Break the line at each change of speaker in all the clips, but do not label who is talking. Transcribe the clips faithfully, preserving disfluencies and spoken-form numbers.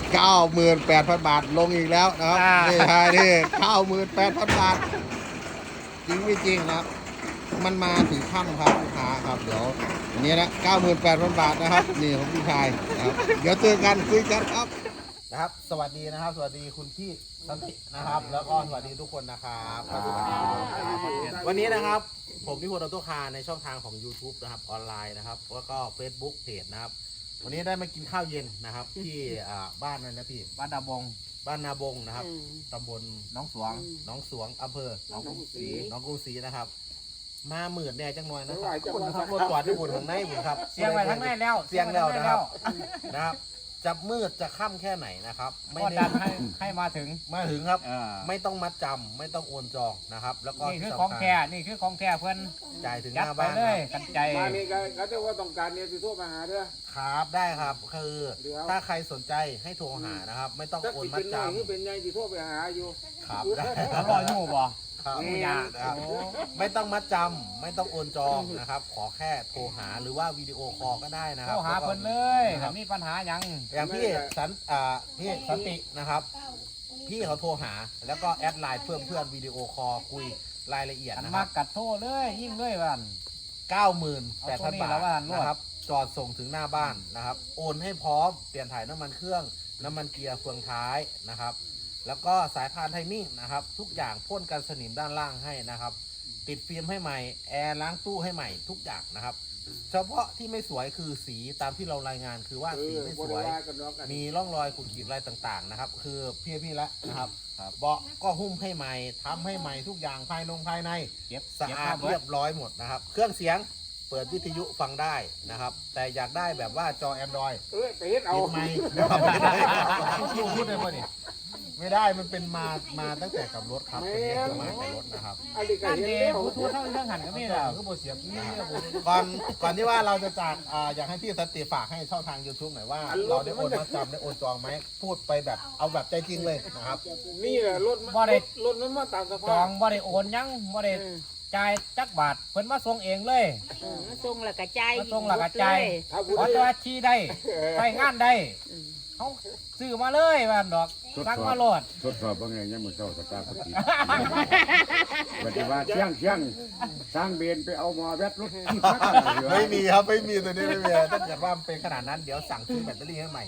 เก้าหมื่นแปดพันบาทลงอีกแล้วนะครับนี่ใช่นี่เก้าหมื่นแปดพันบาทจริงไม่จริงนะครับมันมาถึงค่ำครับลูกค้าครับเดี๋ยวอันนี้นะเก้าหมื่นแปดพันบาทนะครับนี่ของพี่ชายนะครับเดี๋ยวเจอกันคุยกันครับนะครับสวัสดีนะครับสวัสดีคุณพี่สันตินะครับแล้วก็สวัสดีทุกคนนะครับวันนี้นะครับผมพิพลออโต้คาร์ในช่องทางของ YouTube นะครับออนไลน์นะครับแล้วก็ Facebook เพจนะครับวันนี้ได้มากินข้าวเย็นนะครับที่บ้านนั่นนะพี่
บ้านนาบง
บ้านนาบงนะครับตำบล
น้องสวง
น้องสวงอำเภอน้องกรุงศรีน้องกรุงศรีนะครับมาหมื่นแน่จังหน่อยนะครับคนขับรถจอดที่บุญข้างในบุญครับ
เสียงไปทั้งในแล้ว
เสียงแล้วนะครับนะครับจะมืดจะค่ำแค่ไหนนะครับ
ไม่ดันให้ให้มาถึง
มาถึงครับไม่ต้องมัดจำไม่ต้องโอนจองนะครับแล้วก็
นี่คือของแท้นี่คือของแท้เพื่อน
จ่ายถึงหน้าบ้าน
เลยกันใจ
มานี่ก็จะว่าต้องการเนี่ยติดทั่วมาหาเด้อ
ครับได้ครับคือถ้าใครสนใจให้โทรหานะครับไม่ต้องโอนมัดจำ
นี่เป็นไงติดทั่วไปหาอยู่
ครับได้
รออยู่บ่
ไม่ยากครับไม่ต้องมัดจำไม่ต้องโอนจองนะครับขอแค่โทรหาหรือว่าวิดีโอคอลก็ได้นะครับ
โทรหาเพิ่นเลยถ้ามีปัญหาอย่าง
อย่างพี่สันอ่าพี่สันตินะครับพี่เขาโทรหาแล้วก็แอดไลน์เพื่อนเพื่อนวิดีโอคอลคุยรายละเอียดนะครับ
มากัดโทรเลยยิ่งด้วยวัน
เก้าหมื่นแปดพัน บาทนะครับจอดส่งถึงหน้าบ้านนะครับโอนให้พร้อมเปลี่ยนถ่ายน้ำมันเครื่องน้ำมันเกียร์เฟืองท้ายนะครับแล้วก็สายพานไทมิ่งนะครับทุกอย่างพ่นกันสนิมด้านล่างให้นะครับติดฟิล์มให้ใหม่แอร์ล้างตู้ให้ใหม่ทุกอย่างนะครับเฉพาะที่ไม่สวยคือสีตามที่เรารายงานคือว่าสีไม่สวยมีร่องรอยขูดขีดอะไรต่างๆนะครับคือพี่พี่ละนะครับเบาะก็หุ้มให้ใหม่ทำให้ใหม่ทุกอย่างภายนงภายในสะอาดเรียบร้อยหมดนะครับเครื่องเสียงเปิดวิทยุฟังได้นะครับแต่อยากได้แบบว่าจอ Android
เออไปเฮ็ดเอา
ไหมไม่ได้พูดได้ป่ะนี่ไม่ได้มันเป็นมามาตั้งแต่กับรถครับเป็นมากับรถนะครับ
อันนี้ก็เห็นแล้ว
ผู้ทูตเท่าเรื่องหันก็ไม่ได้
ก็บ่เสียบนี่ก่อนก่อนที่ว่าเราจะจากอ่าอยากให้พี่สติฝากให้ช่องทาง YouTube หน่อยว่าเราได้โอนมาจำได้โอนจองไหมพูดไปแบบเอาแบบใจจริงเลยนะครับ
นี่แหละรถ
บ่ได้
รถมันมาตามสภาพ
จองบ่ได้โอนยังบ่ได้จ่ายจักบาทเพิ่นมาส่งเองเลย
มาส่งแล้วก็จ่าย
มาส่งแล้วก็จ่ายขอตัวชี้ได้ไปงานได้เขาซื้อมาเลยบ้านดอกสั่งมาโหลด
ทดสอบว่าไงยังมือเศร้าสตาร์ทติดปฏิบัติเชี่ยงเชี่ยงสร้างเบนไปเอามอแบตรถ
ไม่มีครับไม่มีตัวนี้ไม่มีถ้าเกิดว่าเป็นขนาดนั้นเดี๋ยวสั่งซื้อแบตเตอรี่ให้ใหม่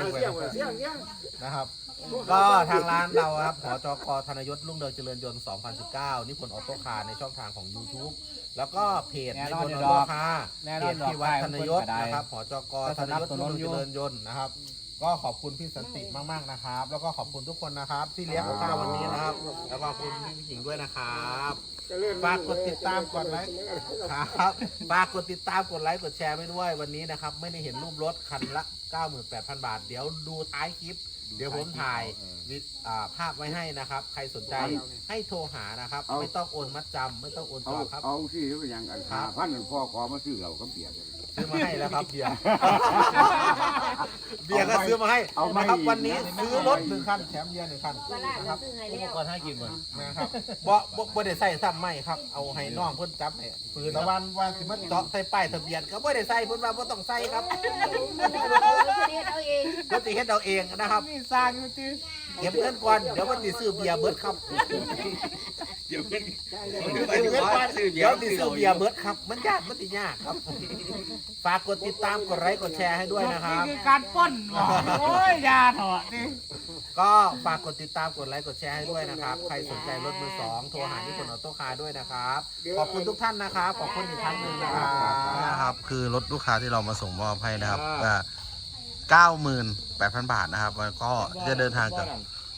นะครับก็ทางร้านเราครับหจก.ธนยศรุ่งเรืองเจริญยนต์สองพันสิบเก้านิพนธ์ออโต้คาร์ในช่องทางของ YouTube แล้วก็เพจนิพนธ์ออโต้คาร์เพจที่วัดธนยศนะครับหจก.ธนยศรุ่งเรืองเจริญยนต์นะครับก็ขอบคุณพี่สันติมากๆนะครับแล้วก็ขอบคุณทุกคนนะครับที่เลี้ยงข้าววันนี้นะครับแล้วก็ขอบคุณพี่หญิงด้วยนะครับฝากกดติดตามกดไลค์ครับฝากกดติดตามกดไลค์กดแชร์ไปด้วยวันนี้นะครับไม่ได้เห็นรูปรถคันละ เก้าหมื่นแปดพัน บาทเดี๋ยวดูท้ายคลิปเดี๋ยวผมถ่ายภาพไว้ให้นะครับใครสนใจให้โทรหานะครับไม่ต้องโอนมัดจำไม่ต้องโอนจองครับ
เอาที่เป็นอย่างอันขาพันพ่อขอมาซื้อเราก็เปลี่ยน
ซื้อมาให้แล้วครับเบียร์เบียร์ก็ซื้อมาให้นะครับวันนี้ซื้อรถหนึ่งคันแถมเบียร์หนึ่งคันนะครับอุปกรณ์ให้กินหมดนะครับบ่บ่บ่ได้ใส่ซ้ำไม่ครับเอาให้น้องเพิ่นจับให้ปืนตะวันวันสิมันเจาะใส่ป้ายทะเบียนก็บ่ได้ใส่เพิ่นว่าบ่ต้องใส่ครับ
เฮ็ดเอาเอง
เพิ่นสิเฮ็ดเอาเองนะครับ
นี่สร้างอยู่ติ
เก็บเงินก่อนเดี๋ยวมันสิซื้อเบียร์เบิดครับ
เดี๋ยวเป็น
เก็บเงินก่อนเดี๋ยวสิซื้อเบียร์เบิดครับมันยากมันสิยากครับฝากกดติดตามกดไลค์กดแชร์ให้ด้วยนะครับ
นี่คือการป้นโอ้ยยาเถอะนี่
ก็ฝากกดติดตามกดไลค์กดแชร์ให้ด้วยนะครับใครสนใจรถมือสองโทรหาที่คนออโต้คาร์ด้วยนะครับขอบคุณทุกท่านนะครับขอบคุณอีกครั้งหนึ่งนะครับนะครับคือรถลูกค้าที่เรามาส่งมอบให้นะครับเก้าหมื่นแปดพันบาทนะครับแล้วก็จะเดินทางกับ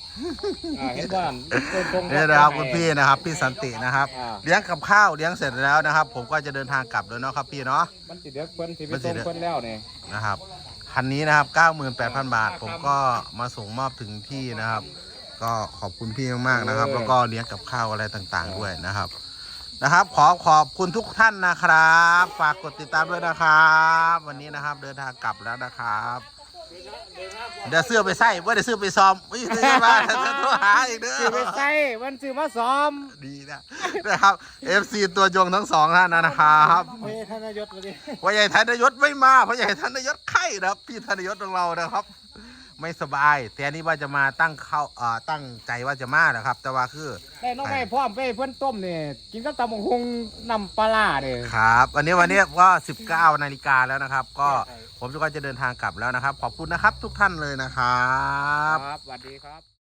นี่นะครับคุณพี่นะครับพี่สันตินะครับเลี้ยงกับข้าวเลี้ยงเสร็จแล้วนะครับผมก็จะเดินทางกลับเลยเนาะครับพี่เนาะ
มันติดเด็กเพิ่นที่ไปส่งเพิ่นแล้วเนี่ย
นะครับคันนี้นะครับ เก้าหมื่นแปดพัน บาทผมก็มาส่งมอบถึงที่นะครับก็ขอบคุณพี่มากๆนะครับแล้วก็เลี้ยงกับข้าวอะไรต่างๆด้วยนะครับนะครับขอขอบคุณทุกท่านนะครับฝากกดติดตามด้วยนะครับวันนี้นะครับเดินทางกลับแล้วนะครับเดี๋ยวเสื้อไปใส่ว่าเดี๋ยวเสื้อไปซ้อมไม่ซื้อมาจะโทรหาอีกเด้อ
ซื้อไปใส่วันซื้อมาซ้อม
ดีนะนะครับ เอฟ ซี ตัวยงทั้งสองท่านนะครับ
พ่อใหญ่ธนยศเลย
พ่อใหญ่ธนยศไม่มาพ่อใหญ่ธนยศไข่นะครับพี่ธนยศของเรานะครับไม่สบายแต่อันนี้ว่าจะมาตั้งเข้าเอ่อตั้งใจว่าจะมานะครับ แต่ว่าคือ
ได้น้องไม่พร้อมไปเพื่อนต้มเนี่ยกินกับตำบักหุ่งน้ำปลาร้าเนี่ย
ครับวันนี้วันนี้ก็สิบเก้านาฬิกาแล้วนะครับ ก็ผมก็จะเดินทางกลับแล้วนะครับ ขอบคุณนะครับทุกท่านเลยนะครับ
ครับสวัสดีครับ